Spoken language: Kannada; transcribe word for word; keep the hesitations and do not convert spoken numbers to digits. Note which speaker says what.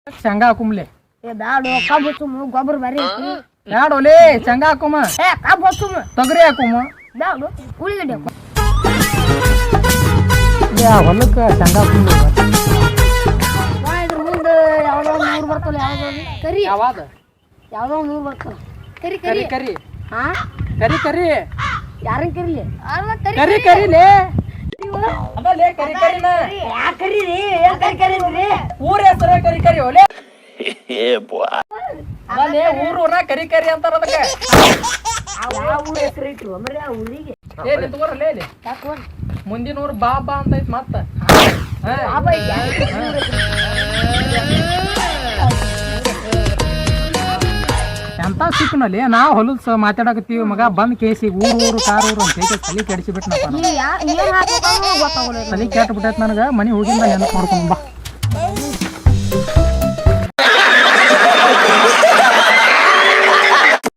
Speaker 1: ಶೇಂಗಾ ಹಾಕುಮ್ಲೆ
Speaker 2: ಏ ಬ್ಯಾಡು ಕಬ್ಬು ಹಚ್ಚುಮು ಗೊಬ್ಬರ ಬರೀ ಐತಿ
Speaker 1: ಬ್ಯಾಡೋಲೆ ಶೇಂಗಾ ಹಾಕುಮ
Speaker 2: ಏ ಕಬ್ಬು ಹಚ್ಚುಮು
Speaker 1: ತೊಗರಿ ಹಾಕುಮ
Speaker 2: ಬ್ಯಾಡು ಉಳಿಗಡ್ಡೆ ಹಾಕು
Speaker 1: ಯಾ ಹೊಲಕ್ಕೆ ಶೇಂಗಾ ಹಾಕುಮ್ಲೆ
Speaker 2: ನಾ ಇದ್ರ ಮುಂದೆ ಯಾವ್ದೋ ಒಂದು ನೂರು ಬರ್ತಲ್ಲ ಯಾವ್ದೋ ಕರಿ
Speaker 1: ಯಾವಾಗ
Speaker 2: ಯಾವ್ದೋ ಒಂದು ನೂರು ಬರ್ತಲ್ಲ ಕರಿ
Speaker 1: ಕರಿ
Speaker 2: ಕರಿ
Speaker 1: ಕರಿ
Speaker 2: ಹಾ
Speaker 1: ಕರಿ ಕರಿ
Speaker 2: ಯಾರನ್ನ ಕರಿಲಿ
Speaker 1: ಕರಿ ಕರಿಲೇ ಅದಲ್ಲೇ ಕರಿ ಕರಿನ
Speaker 2: ಯಾ ಕರೀರಿ ಏನ್ ಕರಿ ಕರೀರಿ
Speaker 1: ಊರ ಹೆಸರ ಕರಿ ಕರಿ ಓಲೆ ಅದಲ್ಲೇ ಊರ್ ಊರ ಕರಿ ಕರಿ ಅಂತಾರ ಅದಕ್ಕೆ
Speaker 2: ಯಾವ ಊರ ಹೆಸರು ಇಟ್ರು ಮರಿ ಆ ಊರಿಗೆ
Speaker 1: ಏ ನಿಂತ್ಕೋರಲ್ಲೇ ಇಲ್ಲಿ
Speaker 2: ಯಾಕೆ
Speaker 1: ಮುಂದಿನ ಊರು ಬಾಬಾ ಅಂತ ಐತ್ ಮತ್ತ
Speaker 2: ಬಾಬಾ
Speaker 1: ಎಂತ ಸಿಕ್ಕನಲ್ಲಿ ನಾವು ಹೊಲದ ಮಾತಾಡಕತ್ತೀವಿ ಮಗ ಬಂದ್ ಕೇಸಿ ಊರು ಊರು ಕಾರ್ ಊರು ಅಂತ ಹೇಳಿ ತಲೆ ಕೆಡಿಸಿ ಬಿಟ್ನಪ್ಪ
Speaker 2: ಏನ್ ಹಾಕ್ಬೇಕು ಗೊತ್ತಾಗಲ್ಲ
Speaker 1: ತಲೆ ಕೆಟ್ಟ ಬಿಟ್ಟೈತ್ ನನಗ ಮನಿ ಹೋಗಿಂದ ನೆನಪು ಮಾಡ್ಕೊಂಡ್ ಬಾ